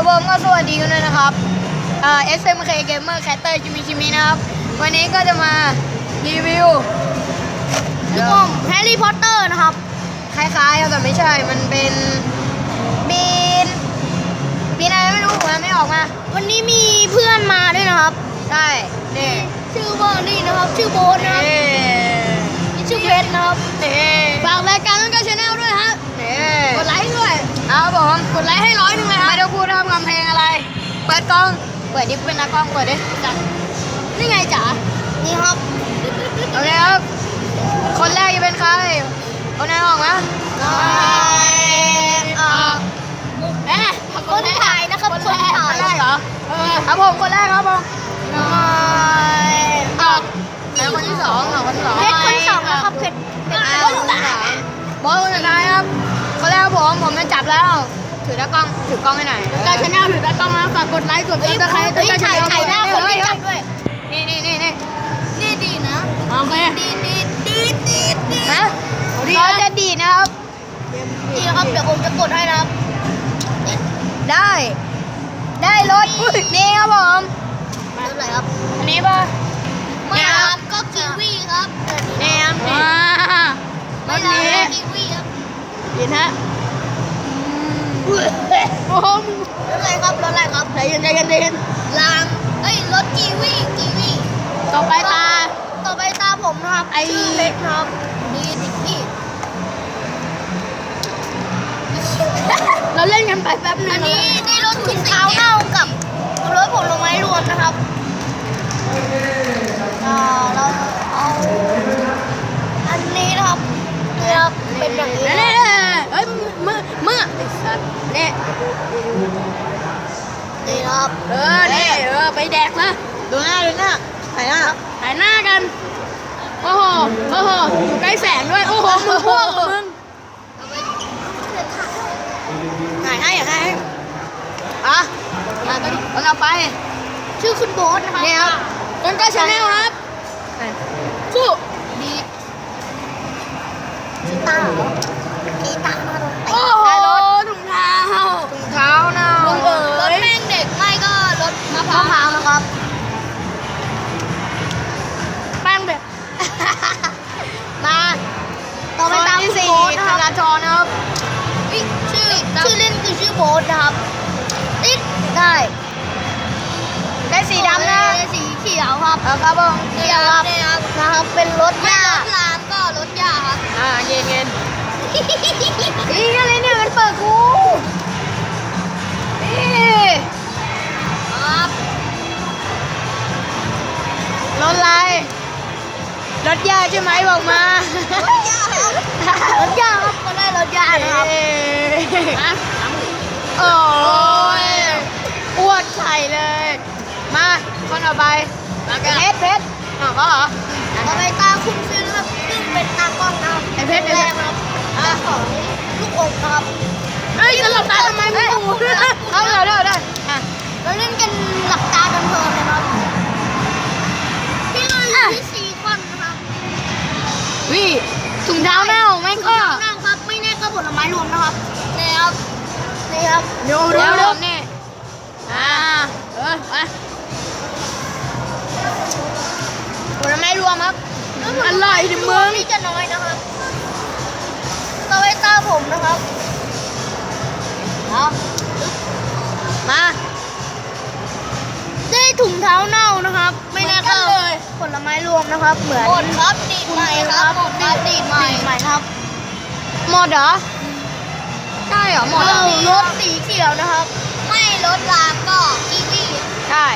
ผมก็สวัสดีกันด้วยนะครับSMK Gamer Caster ชิมินะครับวันนี้ก็จะมารีวิวลูกอมแฮร์รี่พอตเตอร์นะครับคล้ายๆแต่ไม่ใช่มันเป็นบีนอะไรไม่รู้ผมไม่ออกมาวันนี้มีเพื่อนมาด้วยนะครับใช่นี่ชื่อว่านี่นะครับชื่อโบ๊ทนะครับนี่ชื่อเพชรนะครับฝากรายการต้นกล้าชาแนลด้วยฮะกดไลค์ด้วยเอาผมกดไลค์ให้100เลยครับไม่ต้องพูดทำคำเพลงอะไรเปิดกล้องเปิดดิเป็นนักกล้องเปิดดิจัดนี่ไงจ๋านี่ครับโอเคครับคนแรกจะเป็นใครคนไหนออกมาคนถ่ายนะครับคนแรกเหรอครับผมคนแรกครับผมแล้วคนที่สองคนที่สองเพชรคนที่สองนะครับเพชรคนที่สามบอสคนสุดท้ายครับคนแรกผมจะจับแล้วถือกล้องให้หน่อยการชาแนลถือกล้องนะฝากกดไลค์กดติดตามถ่ายหน้าคนที่จับด้วยนี่ดีนะโอเคดีนะเราจะดีนะครับดีนะครับเดี๋ยวผมจะกดให้นะครับได้รถนี่ครับผมรถอะไรครับอันนี้ป่ะไม่ครับก็กีวีครับนี่ครับรถนี้กีวีครับดีนะโอ้โหรถอะไรครับใจเย็นรางรถกีวีต่อไปตาผมนะครับชื่อเพชรครับนี่พี่เราเล่นกันไปแป๊บนึงอันนี้รถถุงเท้าเน่ากับรถผลไม้รวมนะครับเราเอาอันนี้นะครับเป็นอย่างนี้เฮ้ยเมื่อไอ้สัตว์นี่ครับไปแดกนะดูหน้าถ่ายหน้ากันโอ้โหอยู่ใกล้แสงด้วยโอ้โหมึงพวกมึงถ่ายให้คนเอาไปชื่อคุณโบ๊ทนะครับนี่ครับต้นกล้าชาแนลครับสู้ดีกีตาร์มาโอ้โหถุงเท้าเน่ารถแม่งเด็กไม่ก็รถมะพร้าวนะครับแป้งเด็กมาต่อไปตามคุณโบ๊ทนะครับธนาธรนะครับชื่อเล่นคือชื่อโบ๊ทนะครับได้สีดำนะสีเขียวครับครับผมเขียวครับนะครับเป็นรถหญ้ารางก็รถหญ้าครับเย็นนี่อะไรเนี่ยมันเปิดกูนี่ครับรถอะไรรถหญ้าใช่ไหมบอกมารถหญ้าครับก็ได้รถหญ้านะครับโอ้ยอ้วนไข่เลยมาคนต่อไปเพชรก็เหรอต่อไปตาคุณซื้อครับซึ่งเป็นตากล้องนะครับเพชรแรงครับของลูกอมนะครับจะหลับตาทำไมไม่ดูเอาได้เราเล่นกันหลับตากันเพลินเลยครับพี่เลยที่4 คนนะครับถุงเท้าแม่ของแม่ก็ครับไม่แน่ก็ผลไม้รวมนะครับนี่ครับดูนี่ไปผลไม้รวมครับอร่อยดิมึงนี่จะน้อยนะครับต่อไปตาผมนะครับมาได้ถุงเท้าเน่านะครับไม่แน่ก็ผลไม้รวมนะครับเหมือนหมดครับดีใหม่ครับดีใหม่ครับหมดเหรอใช่เหรอหมดรถสีเขียวนะครับไม่รถรางก็กีวีใช่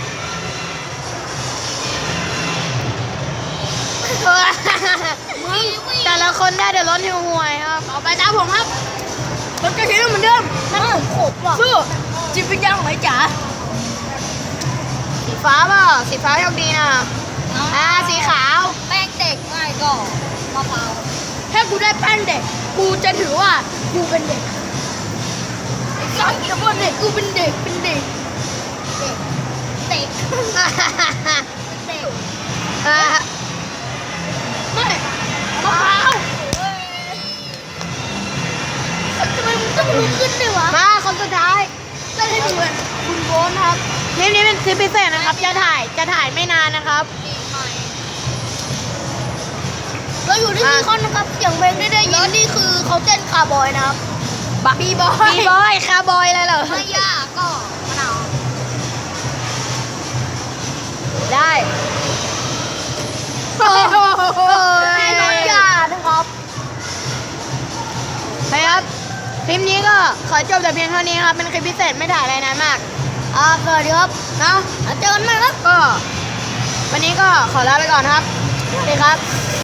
แต่ละคนได้แต่รถหิวห่วยครับเอาไปตามผมครับรถกระเทียมเหมือนเดิมนั่นผมขบว่ะสู้จิตวิญญาณของไอ้จ๋าสีฟ้าเปล่าสีฟ้าโชคดีนะสีขาวแป้งเด็กง่ายก็มะพร้าวถ้ากูได้แป้งเด็กกูจะถือว่ากูเป็นเด็กสังเกตว่าเด็กกูเป็นเด็กไม่มะพร้าวทำไมมึงต้องลุกขึ้นด้วยวะมาคนสุดท้ายเเล่นเหมือนคุณโบนครับคลิปนี้เป็นคลิปพิเศษนะครับจะถ่ายไม่นานนะครับเราอยู่ที่ซีคอนนะครับเสียงเพลงได้ยินนี่คือเขาเต้นคาร์บอยนะครับบีบอยบีบอยคาร์บอยอะไรเหรอไม่ยากก็มะนาวได้ให้น้องยานะครับครับคลิปนี้ก็ขอจบแต่เพียงเท่านี้ครับเป็นคลิปพิเศษไม่ถ่ายอะไรนานมากสวัสดีครับเนาะเจอกันใหม่ครับก็ วันนี้ก็ขอลาไปก่อนครับสวัสดีครับ